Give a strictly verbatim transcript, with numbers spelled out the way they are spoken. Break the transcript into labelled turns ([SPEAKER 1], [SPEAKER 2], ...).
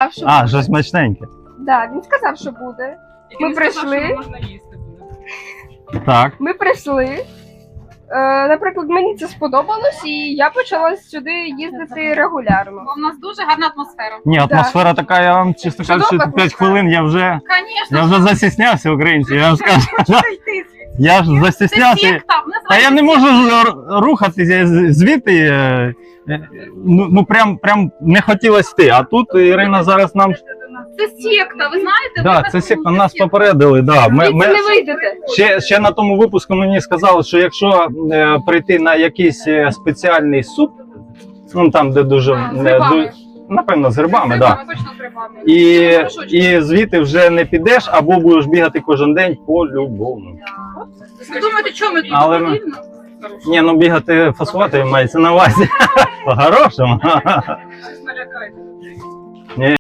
[SPEAKER 1] що
[SPEAKER 2] А,
[SPEAKER 1] буде.
[SPEAKER 2] щось смачненьке.
[SPEAKER 1] Да, він сказав, що буде.
[SPEAKER 3] Тільки
[SPEAKER 1] Ми
[SPEAKER 3] він сказав,
[SPEAKER 1] прийшли.
[SPEAKER 3] що можна їсти буде.
[SPEAKER 2] Так.
[SPEAKER 1] Ми прийшли. Е, наприклад, мені це сподобалось, і я почала сюди їздити регулярно.
[SPEAKER 3] Бо в нас дуже гарна атмосфера.
[SPEAKER 2] Ні, атмосфера така, я вам чесно
[SPEAKER 1] Чудова
[SPEAKER 2] кажучи, п'ять
[SPEAKER 1] атмосфера.
[SPEAKER 2] хвилин я вже,
[SPEAKER 3] Звісно.
[SPEAKER 2] я вже застіснявся, українці, я вам скажу.
[SPEAKER 3] Хочу йти звідси.
[SPEAKER 2] Я ж
[SPEAKER 3] Це
[SPEAKER 2] застіснявся.
[SPEAKER 3] секта,
[SPEAKER 2] Та я не можу ж р- рухатися з- звідти. е, е, Ну, ну прям, прям не хотілося йти. А тут Ірина зараз нам.
[SPEAKER 3] Це секта, ви знаєте?
[SPEAKER 2] Да,
[SPEAKER 3] ви
[SPEAKER 2] це
[SPEAKER 3] так
[SPEAKER 2] секта,
[SPEAKER 3] думаєте,
[SPEAKER 2] нас
[SPEAKER 3] секта.
[SPEAKER 2] попередили. Да. Ми,
[SPEAKER 1] Звідси
[SPEAKER 2] ми,
[SPEAKER 1] не вийдете.
[SPEAKER 2] ще, ще на тому випуску мені сказали, що якщо е, прийти на якийсь е, спеціальний суп, ну там, де дуже.
[SPEAKER 3] А, з
[SPEAKER 2] е,
[SPEAKER 3] грибами.
[SPEAKER 2] ду- напевно, з грибами,
[SPEAKER 3] З
[SPEAKER 2] так. Да.
[SPEAKER 3] точно з грибами.
[SPEAKER 2] І,
[SPEAKER 3] Це горшочки.
[SPEAKER 2] і звідти вже не підеш, або будеш бігати кожен день по-любому.
[SPEAKER 3] Ви думаєте, що ми тут
[SPEAKER 2] Але ми-
[SPEAKER 3] повільно?
[SPEAKER 2] Ні, ну бігати фасувати мається на увазі. По-хорошому.
[SPEAKER 3] Щось налякайте.